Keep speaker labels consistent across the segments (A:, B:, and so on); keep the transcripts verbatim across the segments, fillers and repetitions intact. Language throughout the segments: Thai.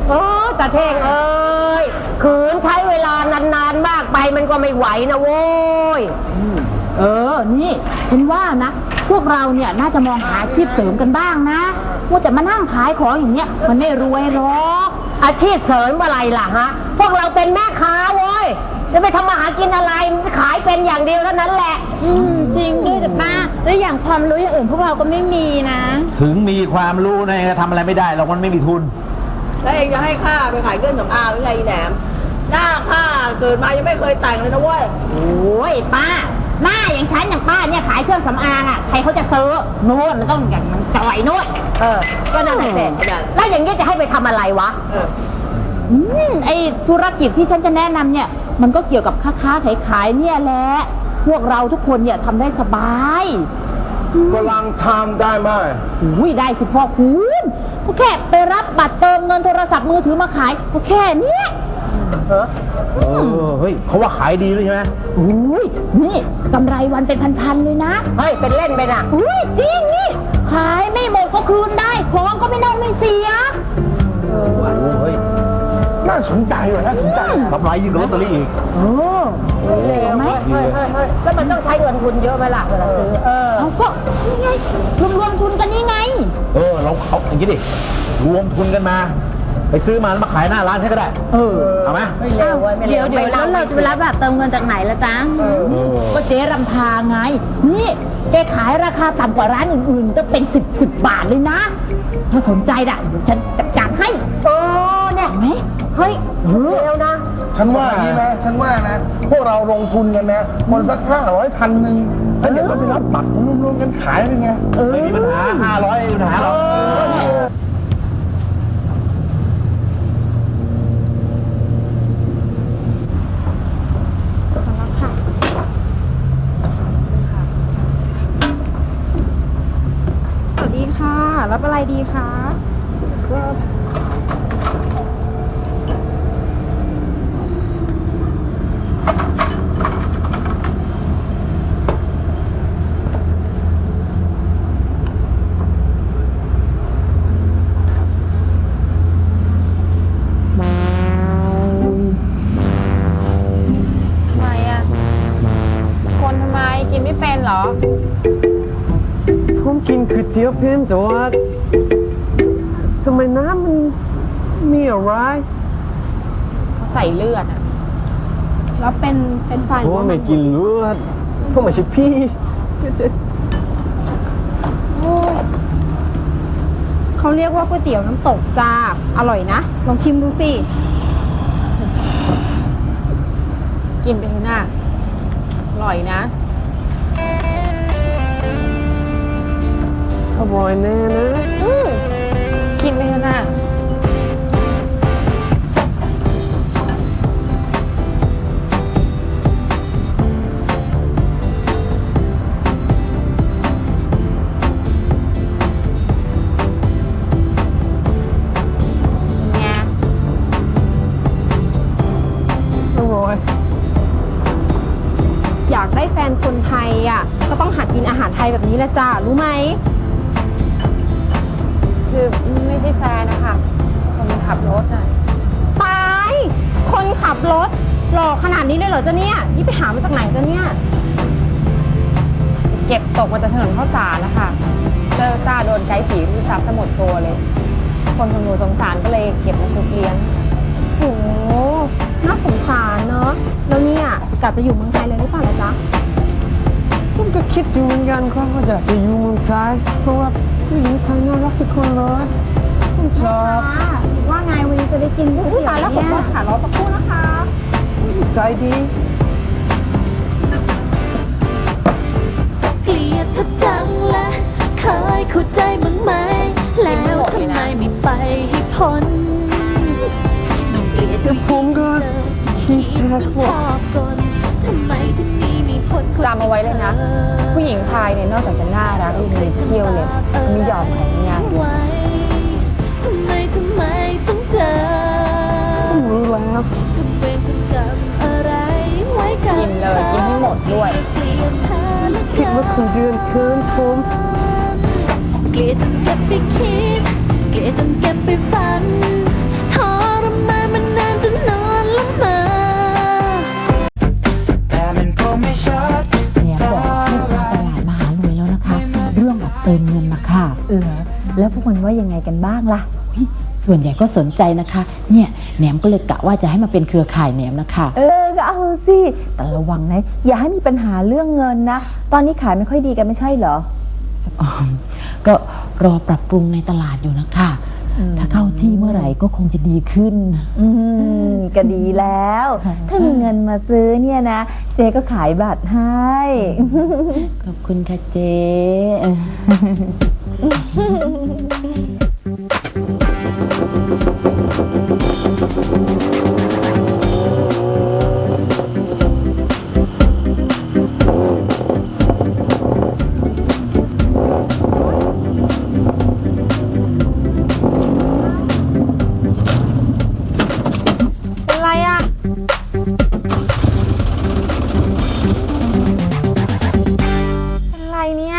A: โอ้ตาเท่งเอ้ยขืนใช้เวลานานๆมากไปมันก็ไม่ไหวนะโว้ย
B: เออนี่ฉันว่านะพวกเราเนี่ยน่าจะมองหาอาชีพเสริมกันบ้างนะว่าแต่มานั่งขายของอย่างเงี้ยมันไม่รวยหรอก
A: อาชีพเสริมอะไรล่ะฮะพวกเราเป็นแม่ค้าโว้ยจะไปทำมาหากินอะไรขายเป็นอย่างเดียวเท่านั้นแหละ
C: อืมจริงด้วยจ้ะป้าแล้วอย่างความรู้อย่างอื่นพวกเราก็ไม่มีนะ
D: ถึงมีความรู้นะทำอะไรไม่ได้เรามันไม่มีทุน
E: แล้วเองจะให้ข้าไปขายเครื่องสำอางหรือไงแหนมหน้าข้าเกิดมายังไม่เคยแต่งเลยนะเว้ย
B: โอ้ยป้าหน้าอย่างฉันอย่างป้าเนี่ยขายเครื่องสำอางอ่ะใครเขาจะซื้อโน่นมันต้องอย่างมันจ่อยโน่น
A: เออก็นั่นแหละเสร็จแล้วอย่างนี้จะให้ไปทำอะไรวะ
E: เออ
B: อืมไอธุรกิจที่ฉันจะแนะนำเนี่ยมันก็เกี่ยวกับค้าค้าขายขายเนี่ยแหละพวกเราทุกคนเนี่ยทำได้สบาย
F: กำลังทำได้ไหม
B: อุ้ยได้สิพ่อคุณก็แค่ไปรับบัตรเติมเงินโทรศัพท์มือถือมาขายก็แค่เนี้ย
D: เออเฮ้ยเขาว่าขายดีด้วยใช่ไหม
B: อุ้ยนี่กำไรวันเป็นพันๆเลยนะ
A: เฮ้ยเป็นเล่นไปนะ
B: อุ้ยจริงนี่ขายไม่หมดก็คืนได้ของก็ไม่น่าไม่เสีย
D: เออเฮ้ย
F: น่าสนใจว่ะน่าสนใจ
D: กำไรยิ่งกว่าลอตเตอรี่อีก
B: โอ้
A: เร็วไหมแล้วมันต้องใช้เงินทุนเยอะไหมล่ะเวลาซื้อเออ
B: เขาก็นี่ไงรวมรวมทุนกันนี่ไง
D: เออเราเขาอย่างนี้ดิรวมทุนกันมาไปซื้อมาแล้วมาขายหน้าร้านใช่ก็ได้เออเอาไหม
A: ไม่เร็วไม่
C: เดี๋
A: เร็
C: ยวเดี๋ยวแล้วเราจะไปรับแบบเติมเงินจากไหนละจ๊ะ
B: ก็เจ๊รำพาไงนี่แกขายราคาต่ำกว่าร้านอื่นๆจะเป็นสิบสิบบาทเลยนะถ้าสนใจน่ะเดี๋ยวฉันจัดการให้
A: โอ้เนี่ย
B: ไหม
A: เฮ้ยเร็วนะ
F: ฉันว่าอย่างนี้นะฉันว่านะพวกเราลงทุนกันนะคนสักห้าร้อยพันหนึ่งแล้วเดี๋ยวเราไปรับบัตรรวมๆกันขายเป็นไง
D: ไม่มีปัญหาห้าร้อยไม่มีปัญหาหรอก
C: รับอะไรดีคะครับ
G: ทำไมอ่ะคนทำไมกินไม่เป็นเหรอ
H: ผมกินก๋วยเตี๋ยวเป็นแต่ว่าทำไมน้ำมันมีอะไร
G: เขาใส่เลือดอ่ะ
C: แล้วเป็นเป็นไฟ
H: ผมไม่กินเลือดผมไม่ใช่พี่
C: เขาเรียกว่าก๋วยเตี๋ยวน้ำตกจ้าอร่อยนะลองชิมดูสิ
G: กินไปเถอะนะอร่อยนะ
H: อร่อยแน่นะ
G: กินไปเถอะนะ
C: อยากได้แฟนคนไทยอ่ะก็ต้องหัดกินอาหารไทยแบบนี้แหละจ้ารู้ไหม
G: คือไม่ใช่แฟนนะคะคนขับรถอ่ะ
C: ตายคนขับรถหล่อขนาดนี้เลยเหรอจ๊ะเนี่ยนี่ไปหามาจากไหนจ๊ะเนี่ย
G: เก็บตกมาจากถนนข้าวสารนะคะเซอร์ซ่าโดนไกด์ผีรูซับสมดตัวเลยคนของหนูสงสารก็เลยเก็บมาชุบเลี้ยง
C: โอ้น่าสงสารเนอะแล้วเนี่ยกะจะอยู่เมืองไทยเลยหรือเปล่าจ๊ะ
H: ผมก็คิดอยู่เหมือนกันครับว่าอยากจะอยู่เมืองไทยเพราะว่าผู้หญิงไทยน่ารักทุกคนเลยผมชอบ
C: ว่าไงวันนี้จะได้กินก๋วยเตี๋ยวเนี่ยขอขารอสักครู่นะคะ
H: ใจดี
I: เกลียดเธอจังและเคยเข้าใจมั้งไหมแล้วทำไมไม่ไปให้พ้นยิ่งเกลียดก็ยิ่งเจอยิ่งคิดต้องชอบกลทำไมถึงมีมีผล
G: จำเอาไว้เลยนะผู้หญิงไทยเนี่ยนอกจากจะน่ารักยังมีเที่ยวเลยไม่ยอมใครง่าย
I: ทำไมทำไมต้องเจอ
H: ผมรู้แล้ว
I: ทำเวรทำกรรมอะไรไว้กับ
G: กินเลยกินให้หมดด้วย
H: คิดว่าคุณเดือนเคินผม
I: เกลียดจนเก็บไปคิดเกลียดจนเก็บไปฝันท้อ
B: ไงกันบ้างล่ะ ส่วนใหญ่ก็สนใจนะคะ เนี่ยแหนมก็เลยกะว่าจะให้มาเป็นเครือข่ายแหนมนะคะ
J: เออก็เอาสิแต่ระวังนะอย่าให้มีปัญหาเรื่องเงินนะตอนนี้ขายไม่ค่อยดีกันไม่ใช่เหรอ
B: อ๋อก็รอปรับปรุงในตลาดอยู่นะคะ ถ้าเข้าที่เมื่อไหร่ก็คงจะดีขึ้น
J: อืมก็ดีแล้ว ถ้ามีเงินมาซื้อเนี่ยนะ เจ๊ก็ขายบัตรให้
B: ขอบคุณค่ะเจ๊
G: เป็นไรอะเป็นไรเนี่ย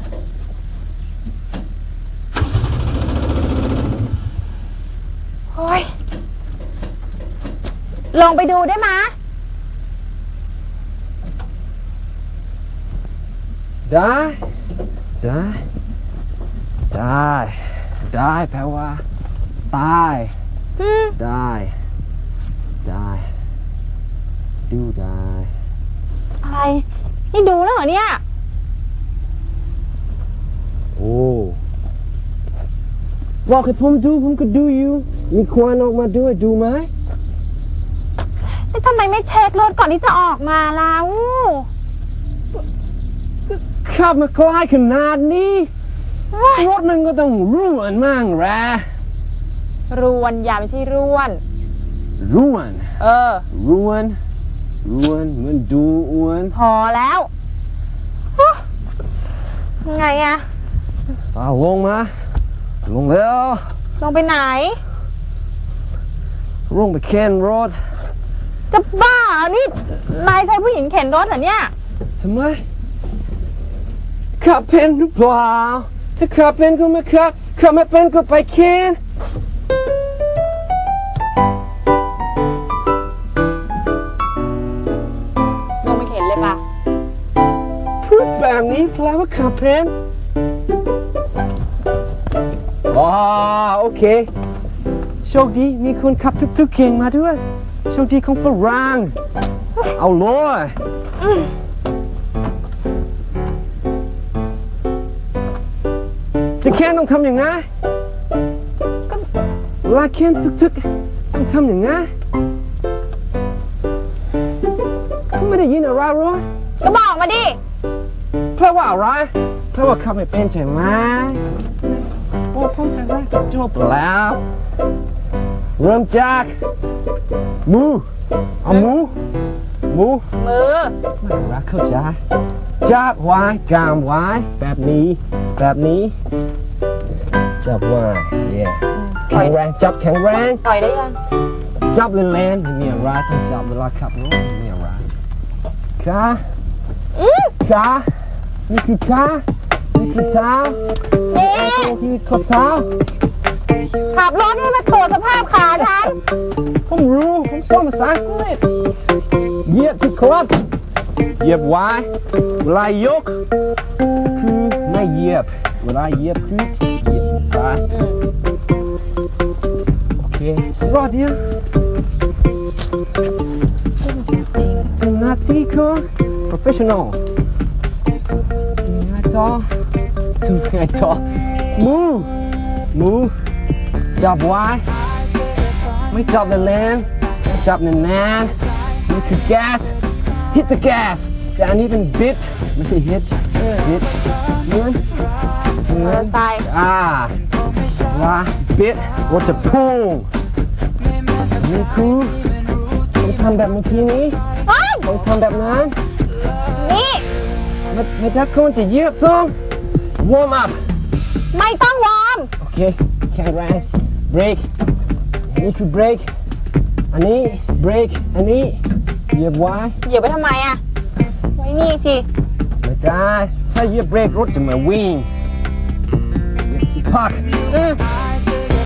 G: โอ้ย ลงไปดูได้ไหมะ
H: ได้ ได้ ได้ ได้แปลว่าตาย
G: อืม
H: ได้ ได้ ดูได้
G: อะไร นี่ดูแล้วเหรอเนี่ย
H: โอ้บอกให้ผมดูผมก็ดูอยู่ มีควันออกมาด้วยดูไหม
G: แล้วทำไมไม่เช็ครถก่อนที่จะออกมาล่ะอู้
H: ขับมาไกลขนาดนี้รถมันก็ต้องร่วนมั่งแหละ
G: รวนอย่าไม่ใช่ร่วน
H: ร่วน
G: เออ
H: ร่วนร่วนเหมือนดูอ้วน
G: พอแล้วฮู้ไงอะ
H: เอาลงมา ลงแล้ว
G: ลงไปไหน
H: ลงไปเข็นรถ
G: จะบ้าเหรอนี่ นายใช้ผู้หญิงเข็นรถเหรอเนี่ย
H: ทำไมขับเป็นหรือเปล่าถ้าขับเป็นก็ไม่ขับขับไม่เป็นก็ไปเข็น
G: ลงไปเข็นเลยปะ
H: พูดแบบนี้แปลว่าขับเป็นอ๋อโอเคโชคดีมีคนขับทุกๆเก่งมาด้วยโชคดีของฝรั่งเอาเลยจะแค่ต้องทำอย่างไงเวลาแค่ทึกๆต้องทำอย่างไงคุณไม่ได้ยินอะไรหรอ
G: ก็บอกมาดิ
H: แปลว่าอะไรแปลว่าขับไม่เป็นใช่ไหมโอ้ผมแต่ว่าจะจบแล้ว เริ่มจากมือเอามือมือ
G: มือ
H: ไม่รักเข้าใจจับไว้กามไว้แบบนี้แบบนี้จับไว้เย่แข็งแรงจับแข็งแรง
G: ต่อยได้ยัง
H: จับแรงๆไม่มีอะไรต้องจับเวลาขับรถไม่มีอะไรขาขานี่คือขานี่คือเท้า
G: นี่
H: นี่คือข้อเท้า
G: ขับรถนี่มาโถสภาพขาฉัน
H: ผมรู้ผมสอนภาษาอังกฤษเหยียบที่คลัตช์เหยียบไว้เวลายกคือไม่เหยียบเวลาเหยียบคือเหยียบไปโอเครอดเดียวเป็นหน้าที่ของ professional ยังไงต่อทำยังไงต่อมือมือจับไว้ไม่จับแรงๆจับแน่นๆนี่คือ gas hit the gas แต่อันนี้เป็น bit ไม่ใช่ hit bit เหมือนเหมือน
G: ใส่
H: อ่าว่า bit รถจะพุ่งนี่คือต้องทำแบบเมื่อกี้นี้
G: เฮ้ย
H: ต้องทำแบบนั้น
G: นี่
H: ไม่ไม่ถ้าคนจะเหยียบต้อง warm up
G: ไม่ต้องวอร์ม
H: โอเคแข็งแรง break นี่คือ break อันนี้ break อันนี้เหยียบไว้
G: เหยียบไปทำไมอะไว้นี่สิ
H: ไม่ได้ถ้าเหยียบเบรกรถจะมาวิ่งเหยียบที่พัก
G: อืม